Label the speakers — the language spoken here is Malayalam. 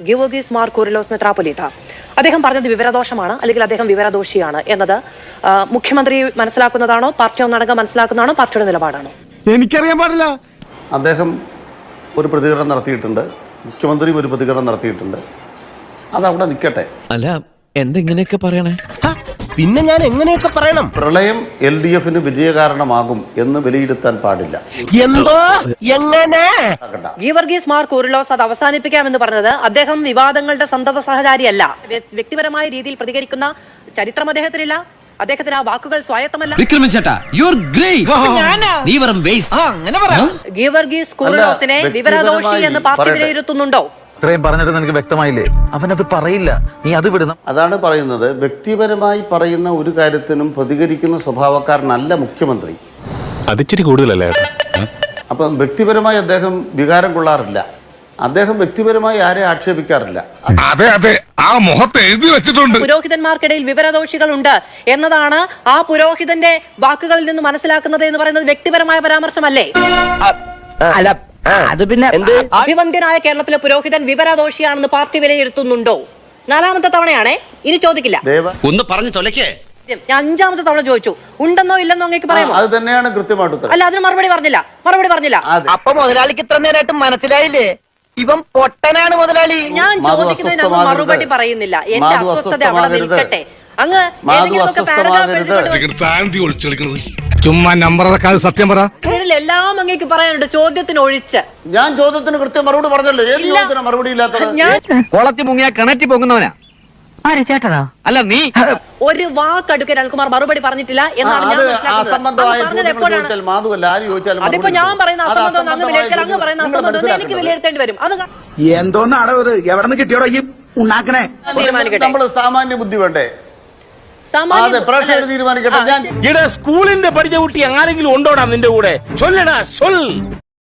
Speaker 1: ഗീവർഗീസ് മാർ കൂറിലോസ് മെത്രാപ്പൊലീത്ത അദ്ദേഹം പറഞ്ഞത് വിവരദോഷമാണ്, അല്ലെങ്കിൽ അദ്ദേഹം വിവരദോഷിയാണ് എന്നത് മുഖ്യമന്ത്രി മനസ്സിലാക്കുന്നതാണോ, പാർട്ടി ഒന്നടങ്കം മനസ്സിലാക്കുന്നതാണോ, പാർട്ടിയുടെ നിലപാടാണോ?
Speaker 2: എനിക്കറിയാൻ പാടില്ല.
Speaker 3: അദ്ദേഹം ഒരു പ്രതികരണം നടത്തിയിട്ടുണ്ട്, മുഖ്യമന്ത്രിയും ഒരു പ്രതികരണം നടത്തിയിട്ടുണ്ട്. അതവിടെ നിൽക്കട്ടെ.
Speaker 4: അല്ല, എന്തെങ്ങനെയൊക്കെ പറയണേ?
Speaker 2: പിന്നെ ഞാൻ എങ്ങനെയൊക്കെ പറയണം?
Speaker 3: പ്രളയം LDF-ന് വിജയകാരണമാകും എന്ന് വിലയിരുത്താൻ പാടില്ല.
Speaker 2: എന്തോ എങ്ങനെ?
Speaker 1: ഗീവർഗീസ് മാർ കൂറിലോസ് അത് അവസാനിപ്പിക്കാമെന്ന് പറഞ്ഞത് അദ്ദേഹം വിവാദങ്ങളുടെ സന്തത സഹചാരിയല്ല. വ്യക്തിപരമായ രീതിയിൽ പ്രതികരിക്കുന്ന ചരിത്രം അദ്ദേഹത്തിനില്ല. അദ്ദേഹത്തിന് ആ വാക്കുകൾ സ്വായത്തമല്ല. ഗീവർഗീസ് കൂറിലോസിനെ വിവരദോഷി എന്ന് പാർട്ടി വിലയിരുത്തുന്നുണ്ടോ?
Speaker 4: ഇത്രയും പറഞ്ഞിട്ട് നിനക്ക് വ്യക്തമായില്ലേ? അവനത് പറയില്ല, നീ അത് വിടുന്നു.
Speaker 3: അതാണ് പറയുന്നത്. വ്യക്തിപരമായി പറയുന്ന ഒരു കാര്യത്തിനും പ്രതികരിക്കുന്ന സ്വഭാവക്കാരനല്ല മുഖ്യമന്ത്രി.
Speaker 5: അതിച്ചിരി കൂടുതലല്ലേ?
Speaker 3: അപ്പം വ്യക്തിപരമായി അദ്ദേഹം വികാരം കൊള്ളാറില്ല. അദ്ദേഹം വ്യക്തിപരമായി ആരെ ആക്ഷേപിക്കാറില്ല.
Speaker 6: അതെ അതെ, ആ മുഖത്ത് എഴുതി വെച്ചിട്ടുണ്ട്.
Speaker 1: പുരോഹിതന്മാർക്കിടയിൽ വിവരദോഷികളുണ്ട് എന്നതാണ് ആ പുരോഹിതന്റെ വാക്കുകളിൽ നിന്ന് മനസ്സിലാക്കുന്നത് എന്ന് പറയുന്നത് വ്യക്തിപരമായ പരാമർശമല്ലേ?
Speaker 2: അല്ല, അത് പിന്നെ
Speaker 1: അഭിവന്ദ്യനായ കേരളത്തിലെ പുരോഹിതൻ വിവരദോഷിയാണെന്ന് പാർട്ടി വിലയിരുത്തുന്നുണ്ടോ? 4ാമത്തെ തവണയാണേ, ഇനി ചോദിക്കില്ല.
Speaker 4: ഒന്ന് പറഞ്ഞു തൊലക്കേ.
Speaker 1: ഞാൻ 5ാമത്തെ തവണ ചോദിച്ചു, ഉണ്ടെന്നോ ഇല്ലെന്നോ അങ്ങേക്ക് പറയാമോ?
Speaker 3: അത് തന്നെയാണ് കൃത്യമായിട്ട് ഉത്തരം.
Speaker 1: അല്ല, അതിന് മറുപടി പറഞ്ഞില്ല.
Speaker 2: അപ്പൊ മുതലാളിക്ക് ഇത്ര നേരമായിട്ട് മനസ്സിലായില്ലേ? ഇവൻ പൊട്ടനാണ് മുതലാളി.
Speaker 1: ഞാൻ ചോദിക്കുന്നതിന് അങ്ങ് മറുപടി പറയുന്നില്ല. എന്റെ അസ്വസ്ഥത അവിടെ നിൽക്കട്ടെ. അങ്ങ്
Speaker 6: ചുമ്മാ നമ്പർ സത്യം പറ.
Speaker 1: എല്ലാം അങ്ങേക്ക് പറയാനുണ്ട്, ചോദ്യത്തിന് ഒഴിച്ച്.
Speaker 3: ഞാൻ ചോദ്യത്തിന് കൃത്യം മറുപടി പറഞ്ഞല്ലോ. ഏത് ചോദ്യത്തിന് മറുപടി ഇല്ലാത്തത്?
Speaker 2: കുളത്തി മുങ്ങിയ കിണറ്റി പോകുന്നവനാ. ആര് ചേട്ടനാ? അല്ല, നീ
Speaker 1: ഒരു വാക്കടുക്കൽ അനിൽകുമാർ മറുപടി പറഞ്ഞിട്ടില്ല എന്നാണ് ഞാൻ മനസ്സിലാക്കുന്നത്. അതിപ്പോ ഞാൻ പറയുന്ന അസംബന്ധം അങ്ങ് വിലയിരുത്തൽ, അങ്ങ് പറയുന്ന അസംബന്ധം എനിക്ക് വിലയിരുത്തേണ്ടി വരും. അത്
Speaker 7: എന്തോന്നാടോ ഇത്? എവിടെ നിന്ന് കിട്ടിയോടോ ഈ ഉണ്ടാക്കണേ?
Speaker 3: നമ്മൾ സാമാന്യ ബുദ്ധി വേണ്ടേ?
Speaker 7: സ്കൂളിന്റെ പഠിച്ച കുട്ടി ആരെങ്കിലും ഉണ്ടോടാ നിന്റെ കൂടെ? ചൊല്ലടാ,